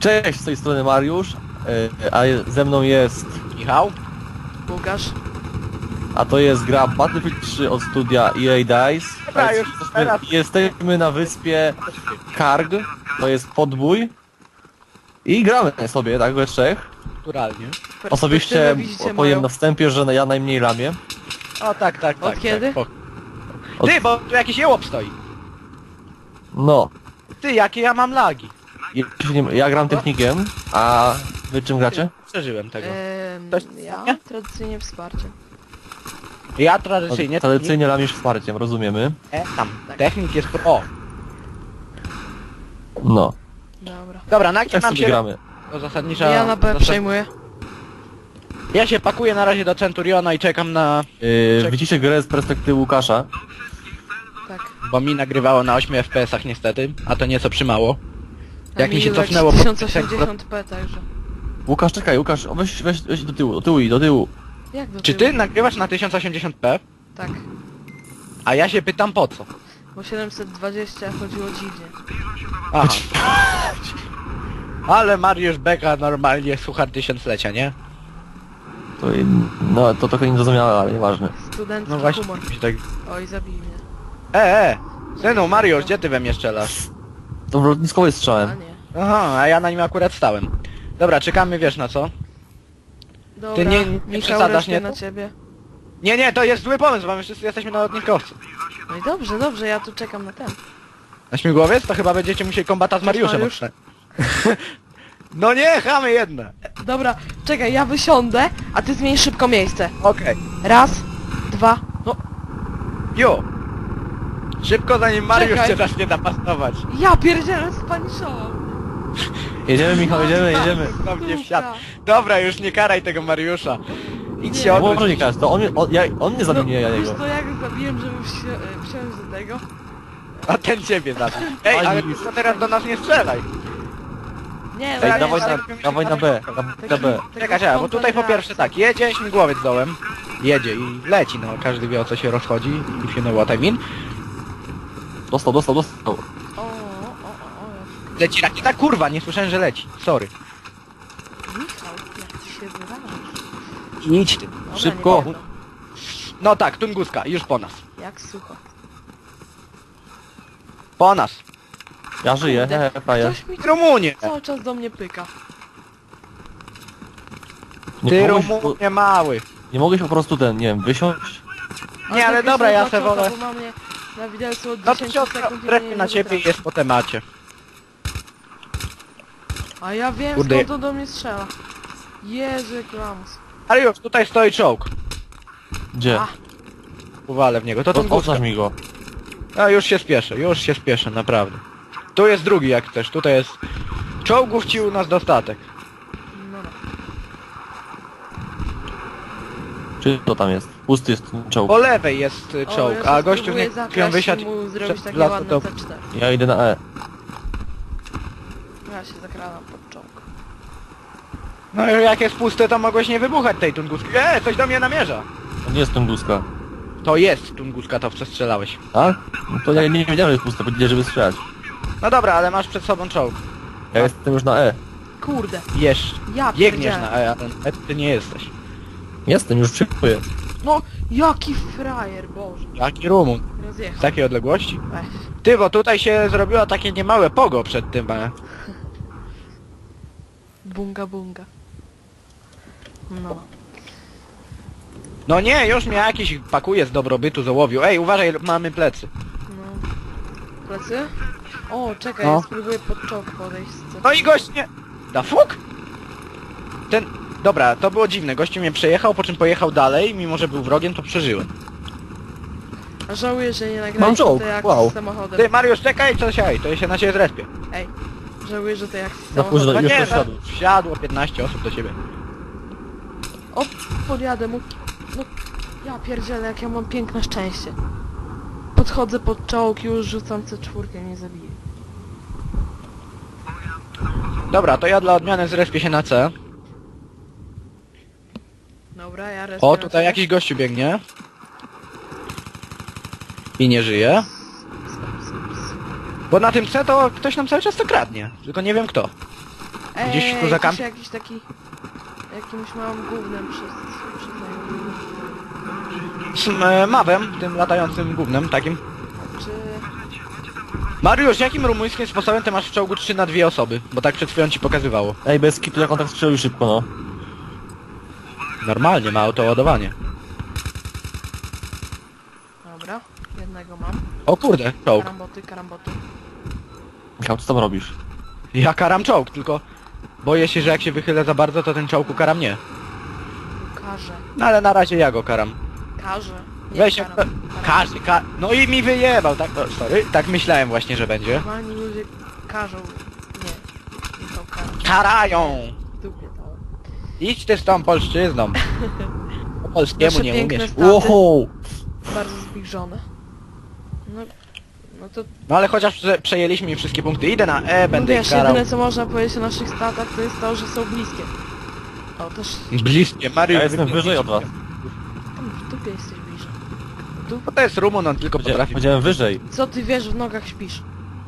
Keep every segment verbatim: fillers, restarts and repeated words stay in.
Cześć, z tej strony Mariusz, a ze mną jest Michał? Łukasz? a to jest gra Battlefield trzy od studia E A Dice. Dobra, już teraz. Jesteśmy na wyspie Karg, to jest podbój i gramy sobie, tak, we trzech. Naturalnie. Osobiście Perspektywę widzicie powiem moją? na wstępie, że ja najmniej ramię. O tak, tak, tak. Od kiedy? Tak, Od- Ty, bo tu jakiś jełop stoi. No, Ty, jakie ja mam lagi. ja- ja gram technikiem, a wy czym gracie? Przeżyłem tego. Ehm, Ktoś- ja nie? tradycyjnie wsparcie. Ja tradycyjnie... Tradycyjnie ramisz wsparciem, rozumiemy. E, tam. Technik jest... O! No, Dobra. Dobra, na kim tak nam sobie się... gramy. To zasadnicza... Ja na B zasad- przejmuję. Ja się pakuję na razie do Centuriona i czekam na... Yy, Czek- widzicie grę z perspektywy Łukasza. Tak. Bo mi nagrywało na ośmiu F P S-ach niestety, a to nieco przymało. Jak mi się Amiga cofnęło po- tysiąc osiemdziesiąt p także. Łukasz, czekaj, Łukasz, weź, weź, weź do tyłu, do tyłu i do tyłu. Jak do Czy tyłu? ty nagrywasz na tysiąc osiemdziesiąt p? Tak. A ja się pytam po co? Bo siedemset dwadzieścia chodziło dziwnie. Aha. Ale Mariusz Beka normalnie suchar tysiąclecia, nie? To, no, to trochę niezrozumiałe, ale nieważne. Studencki No właśnie. humor. mi Tak... Oj, zabij mnie. E, e! Synu, Mariusz, gdzie ty we mnie strzelasz? To lotniskowy A strzałem. nie. Aha, a ja na nim akurat stałem. Dobra, czekamy, wiesz na co? Dobra, nie- nie Michał, przesadzasz, resztę nie? na ciebie. Nie, nie, to jest zły pomysł, bo my wszyscy jesteśmy na lotniskowcu. No i dobrze, dobrze, ja tu czekam na ten. Na śmigłowiec? To chyba będziecie musieli kombata z Mariuszem Mariusz? odstać. No nie, chamy jedne! Dobra, czekaj, ja wysiądę, a ty zmień szybko miejsce. Okej. Raz, dwa, no Jo! Szybko zanim Mariusz Czekaj. cię zacznie napastować. ja pierdzielę spaniszował. Jedziemy, Michał, jedziemy, jedziemy. No mnie wsiadł. Dobra, już nie karaj tego Mariusza. Idź Nie. się Nie odwróć. może nie każdy, to on, mnie- on, ja, on mnie zabił, nie ja Wiesz jego. to jak zabiłem, żeby wsi e, wsiąść do tego? A ten ciebie zabił. Ej, ale ty to teraz do nas nie strzelaj. Nie, Ej, no dawaj nie, na, tak- dawaj na B, na, na B. Czekaj, czekaj, bo tutaj po pierwsze tak, jedzie śmigłowiec dołem. Jedzie i leci, no każdy wie o co się rozchodzi. If you know what I mean. Dostał, dostał, dostał. O, o, o, o, Leci rakieta, kurwa, nie słyszałem, że leci. Sorry. jak... Michał, jak ty się wyrażasz? Idź ty. Dobra, Szybko. nie będą. No tak, Tunguska, już po nas. Jak sucho. Po nas. Ja żyję, Kurde, hehe, frajer. Ktoś mi Rumunie! cały czas do mnie pyka. Nie Ty mogłeś, Rumunie mały. nie mogłeś po prostu ten, nie wiem, wysiąść? Nie, ale tak dobra, jest ja na se czoka, wolę. Bo mam mnie na widelcu od No to dziesięć się sekund i trefnie mnie na nie ciebie i wytrafi. jest po temacie. A ja wiem, Kurde. skąd to do mnie strzela. Jezu, jak lamus. Ale już, tutaj stoi czołg. Gdzie? A. Uwalę w niego, to O, Tunguska. oznacz mi go. A już się spieszę, już się spieszę, naprawdę. Tu jest drugi jak też, tutaj jest... Czołgów ci u nas dostatek. No, no. Czy to tam jest? Pusty jest ten czołg. Po lewej jest y, O, czołg, ja a się gościu spróbuję nie zakraść chwilą i wysiadł mu zrobić przed takie las, ładne to... C cztery. Ja idę na E. Ja się zakradam pod czołg. No i jak jest puste, to mogłeś nie wybuchać tej Tunguski. Eee, coś do mnie namierza. To nie jest Tunguska. To jest Tunguska, to w co strzelałeś. Tak? No to ja nie wiedziałem, że jest puste, powiedzieli, żeby strzelać. No dobra, ale masz przed sobą czołg. Ja jestem już na E. Kurde, Jesz. ja Biegniesz pierdzielę. na E, ale E ty nie jesteś. Jestem, już przyjmuję. No, jaki frajer, Boże. Jaki Rumun? Z Rozjechał. takiej odległości? Weź. Ty, bo tutaj się zrobiło takie niemałe pogo przed tym, e. Bunga, bunga. No. No nie, już mnie jakiś pakuje z dobrobytu z ołowiu. Ej, uważaj, mamy plecy. No. Plecy? O, czekaj, No. ja spróbuję pod czołg podejść. Co? No i gość nie... Da fuk? Ten... Dobra, to było dziwne. Gościu mnie przejechał, po czym pojechał dalej, mimo że był wrogiem, to przeżyłem. A żałuję, że nie Mam nagraliśmy czołg, to jak wow. z samochodem. Ty, Mariusz, czekaj, co siaj, to ja się na ciebie zrespię. Ej, żałuję, że to jak z Na późno. samochodem. No już nie, to no, wsiadło. wsiadło piętnaście osób do ciebie. O, podjadę mu. No, ja pierdzielę, jak ja mam piękne szczęście. Podchodzę pod czołg, już rzucam C cztery, mnie zabije. Dobra, to ja dla odmiany zrespię się na C. Dobra, ja res. O, tutaj jakiś gościu biegnie. I nie żyje. Bo na tym C to ktoś nam cały czas to kradnie. Tylko nie wiem kto. Gdzieś Ej, tu za jakiś, kamp- jakiś taki... Jakimś małym gównem przez... przez Z e, mawem, tym latającym gównem, takim. Czy... Mariusz, jakim rumuńskim sposobem ty masz w czołgu trzy na dwie osoby? Bo tak przed chwilą ci pokazywało. Ej, bez kitu jak on tak strzelił szybko, no. Normalnie, ma autoładowanie. Dobra, jednego mam. O kurde, czołg. Karamboty, karamboty. Michał, co tam robisz? Ja karam czołg, tylko boję się, że jak się wychylę za bardzo, to ten czołg ukara mnie. Karze. No ale na razie ja go karam. Karze. Nie, Weź się... karam. Karam. Każdy, ka... No i mi wyjebał, tak... O, sorry, tak myślałem właśnie, że będzie. Normalni ludzie każą... Nie. Nie są karą. Karają! W dupie to. Idź ty z tą polszczyzną. Po polskiemu Nasze nie piękne umiesz. staty. Wow! Bardzo zbliżone. No... No to... No ale chociaż prze przejęliśmy im wszystkie punkty. Idę na E, No będę wiesz, ich karał. jedyne co można powiedzieć o naszych statach to jest to, że są bliskie. O, też... Bliskie, Mariusz. Ja jestem wyżej od was. Tam w dupie jesteś bliżej. Tu... Bo to jest Rumun, on tylko potrafi... Powiedziałem wyżej. Co ty wiesz, w nogach śpisz?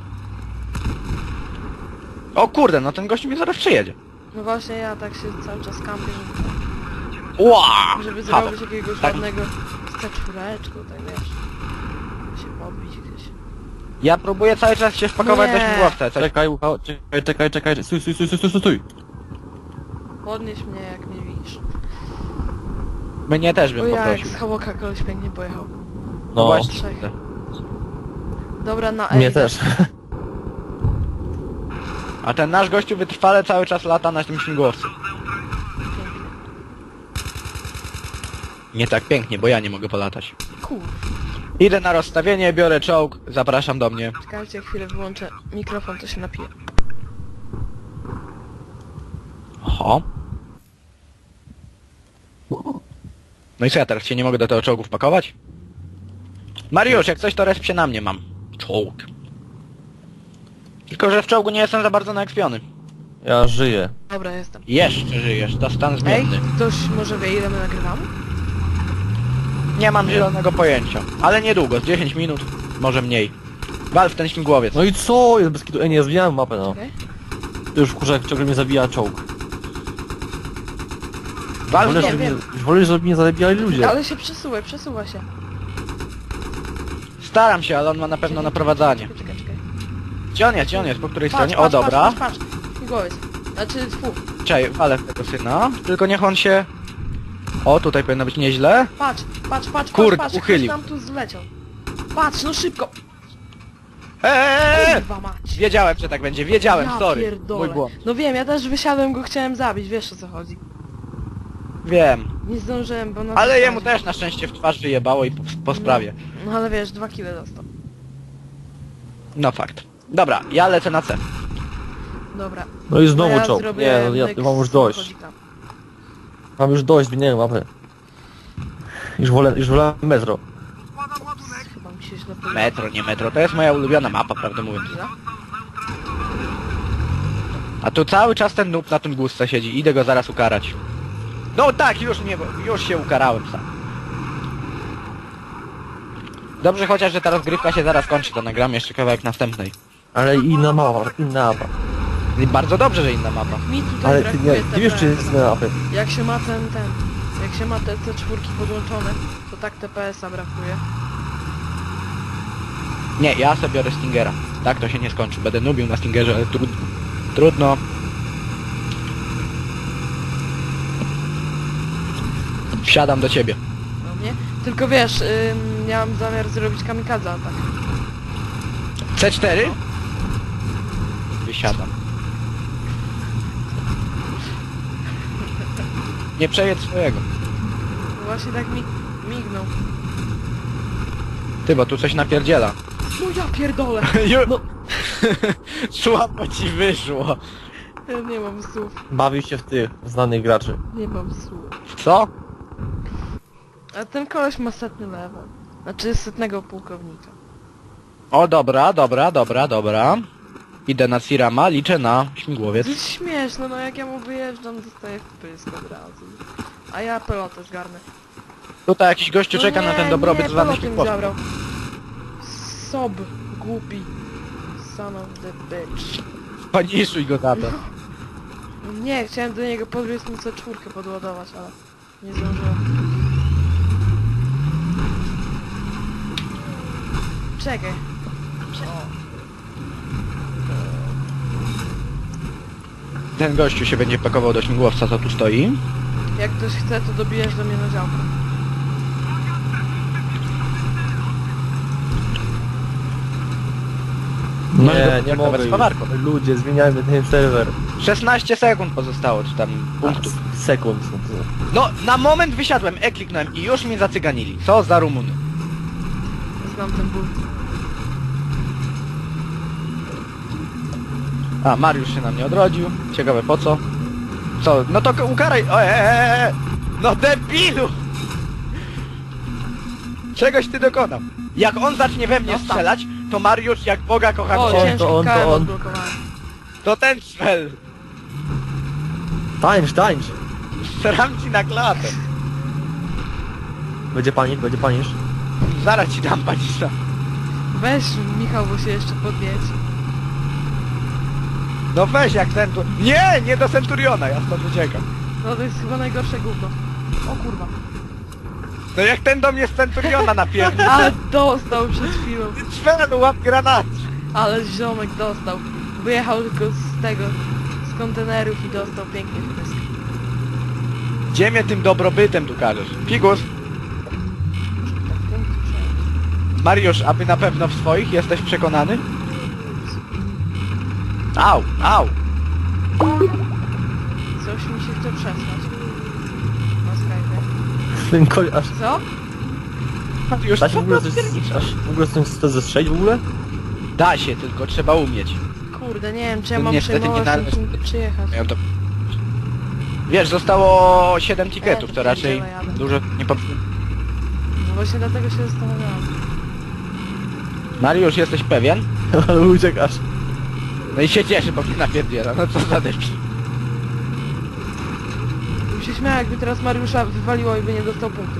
O kurde, no ten gościu mnie zaraz przyjedzie. No właśnie ja tak się cały czas kampię, żeby, Ła! żeby Paweł, zrobić jakiegoś tak. ładnego z C cztery, tak wiesz. Się podbić gdzieś. Ja próbuję cały czas się wpakować do Nie. śmigłowca. Coś... Czekaj, Michał, czekaj, czekaj, czekaj, stój, stój, stój, stój, stój, stój. Podnieś mnie jak mnie widzisz. Mnie też O bym jak, poprosił. z Hałoka koleś pięknie pojechał. No, Właśnie. Trzech. Dobra, na E. mnie idę. też. A ten nasz gościu wytrwale cały czas lata na tym śmigłowcu. Pięknie. Nie tak pięknie, bo ja nie mogę polatać. Kur... Idę na rozstawienie, biorę czołg, zapraszam do mnie. Czekajcie, chwilę wyłączę mikrofon, to się napije. Oho. No i co, ja teraz się nie mogę do tego czołgu wpakować? Mariusz, jak coś to resp się na mnie mam. Czołg. Tylko, że w czołgu nie jestem za bardzo naekspiony. Ja żyję. Dobra, jestem. Jeszcze żyjesz, to stan Ej, zmienny. ktoś może wie ile my nagrywamy? Nie mam zielonego pojęcia. Ale niedługo, z dziesięć minut, może mniej. Wal w ten śmigłowiec. No i co? Jest bez kitu. Ej, nie, zmieniałem mapę, no. Okej. To już wkurza, jak ciągle mnie zabija czołg. Wal w Wolę, nie, żeby mnie, wiem. już wolę, żeby mnie zabijali ludzie. Ale się przesuwaj, przesuwa się. Staram się, ale on ma na pewno naprowadzanie. Czekaj, czekaj, czekaj. Gdzie on jest? Gdzie on jest? Po której Patrz, stronie? O, patrz, dobra. Patrz, patrz, patrz. Śmigłowiec. Znaczy, fu. Czekaj, walę w tego syna. Tylko niech on się... O, tutaj powinno być nieźle. Patrz, patrz, patrz, Kurde, patrz, patrz. uchylił. Ktoś nam tu zleciał. Patrz, no szybko. Eee! Kurwa mać. Wiedziałem, że tak będzie, wiedziałem, Ja sorry. pierdolę. Mój błąd. No wiem, ja też wysiadłem, go chciałem zabić, wiesz o co chodzi. Wiem. Nie zdążyłem, bo na... Ale jemu też na szczęście w twarz wyjebało i po, po sprawie. No ale wiesz, dwa kile dostał. No fakt. Dobra, ja lecę na C. Dobra. No i znowu ja czołg. zrobię Nie, no ja myk mam już z dość. samochodzika. Mam już dość, zmieniłem mapę. Już wolę, już wolę metro. Ups, chyba mi się źle powiedział. Metro, nie metro, to jest moja ulubiona mapa, prawdę mówiąc. Chwila. A tu cały czas ten noob na tym górce siedzi, idę go zaraz ukarać. No tak, już mnie, już się ukarałem sam. Dobrze chociaż, że ta rozgrywka się zaraz kończy, to nagram jeszcze kawałek następnej. Ale inna mapa, inna mapa. I bardzo dobrze, że inna mapa. Mi tutaj Ale ty brakuje nie, ty wiesz, czy jest inna mapy. Jak się ma ten, ten... Jak się ma te C cztery podłączone, to tak T P S-a brakuje. Nie, ja sobie biorę Stingera. Tak to się nie skończy. Będę nubił na Stingerze, ale trudno. Trudno. Wsiadam do ciebie. No nie? Tylko wiesz, ym, ja mam zamiar zrobić kamikadze atak. C cztery? Wysiadam. Nie przejedź swojego. No właśnie tak mi mignął. Ty, bo tu coś napierdziela. No ja pierdolę! No. Słabo ci wyszło. Ja nie mam słów. Bawił się w tych znanych graczy. Nie mam słów. Co? A ten koleś ma setny level. Znaczy setnego pułkownika. O, dobra, dobra, dobra, dobra. Idę na Sirama, liczę na To śmigłowiec. jest śmieszne, no jak ja mu wyjeżdżam, dostaję w pysk od razu. A ja pelotę zgarnę. Tutaj jakiś gościu No czeka nie, na ten dobrobyt nie, zwany pelot mi śmigłowcem. zabrał. Sob, głupi. Son of the bitch. Paniszuj go za to. Nie, chciałem do niego podbiec mu C cztery podładować, ale nie zdążyłem. Czekaj. Ten gościu się będzie pakował do śmigłowca, co tu stoi. Jak ktoś chce, to dobijesz do mnie na działkę. No i Nie, do- nie tak mogę nawet z już. fawarką. Ludzie, zmieniajmy ten serwer. szesnaście sekund pozostało, czy tam punktów. Sekund. No, na moment wysiadłem, E kliknąłem i już mnie zacyganili. Co za Rumuny. Znam ten ból. A, Mariusz się na mnie odrodził. Ciekawe po co? Co? No to ukaraj... O, e, e, e. No debilu! Czegoś ty dokonał. Jak on zacznie we mnie No tak. strzelać, to Mariusz jak Boga kocha O, cię. ciężki to on, to K M on. odblokowałem. To ten strzel. Tańcz, tańcz. Strzelam ci na klatę. Będzie panik, będzie panisz. Zaraz ci dam panisza. Weź Michał, bo się jeszcze podnieć. No weź jak ten tu... Nie, nie do Centuriona, ja stąd uciekam. No to jest chyba najgorsze gówno. O kurwa. No jak ten do mnie z Centuriona napierdzi. Ale dostał przed chwilą. Czwelu, łap granat. Ale ziomek dostał. Wyjechał tylko z tego, z kontenerów i dostał pięknie w pysk. Gdzie mnie tym dobrobytem tu każesz? Figus, Tak, punkt przejąć. Mariusz, aby na pewno w swoich jesteś przekonany? Au, au. Coś mi się chce przesłać. Na Skype. Ten koń aż... Co? Mariusz, Da się w co ogóle ty coś... odpierniczasz? Aż w ogóle coś chce zestrzelić w ogóle? Da się, tylko trzeba umieć. Kurde, nie wiem czy ja To mam niestety przejmować nie należy. tym przyjechać. Ja to... Wiesz, zostało siedem Nie, tiketów, to to raczej pierdzielę jadę. dużo nie popsuło. No właśnie dlatego się zastanawiałam. Mariusz, jesteś pewien? Ale uciekasz. No i się cieszy, bo mnie napierdziela, no co za debil. Bym się śmiał, jakby teraz Mariusza wywaliło i by nie dostał punktów.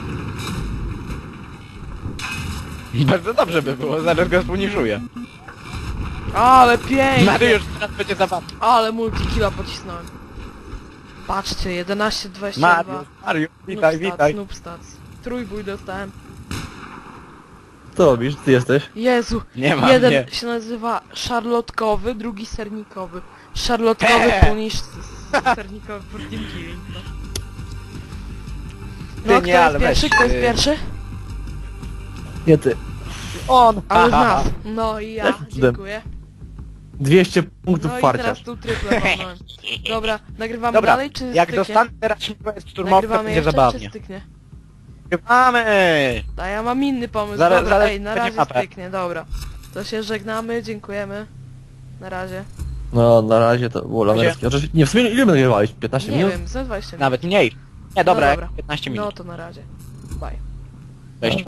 Bardzo dobrze by było, zaraz go spuniżuję. Ale pięknie! Mariusz, teraz będzie zabawny. Ale multikilla pocisnąłem. Patrzcie, jedenaście dwadzieścia dwa. Mariusz, Mariusz, witaj, witaj. Noob stats. Trójbój dostałem. Co robisz? Ty jesteś? Jezu, Nie ma jeden mnie. się nazywa szarlotkowy, drugi sernikowy. Szarlotkowy He. punisz sernikowy for team killing. No, Ty no nie, kto ale jest pierwszy? weź, Kto jest y- pierwszy? Nie ty. On! Ale z Ha, ha, nas. ha. No i ja, Jakim cudem? dziękuję. dwieście punktów No i parcia. teraz tu tryple walnąłem. Dobra, nagrywamy Dobra, dalej czy jak styknie? dostanę teraz śmigłowiec szturmowy, to Nagrywamy będzie jeszcze zabawnie. czy styknie? Nagrywamy! A ja mam inny pomysł, Zaraz- dobra, zaraz ej, na będzie razie mapę. styknie, dobra. To się żegnamy, dziękujemy. Na razie. No, na razie to było lamerskie. Oczywiście, nie, w sumie ile my nagrywałeś? piętnaście Nie minut? wiem, za dwadzieścia minut. Nawet mniej. Nie, dobra, No jak dobra. piętnaście No minut. to na razie. Bye. Cześć.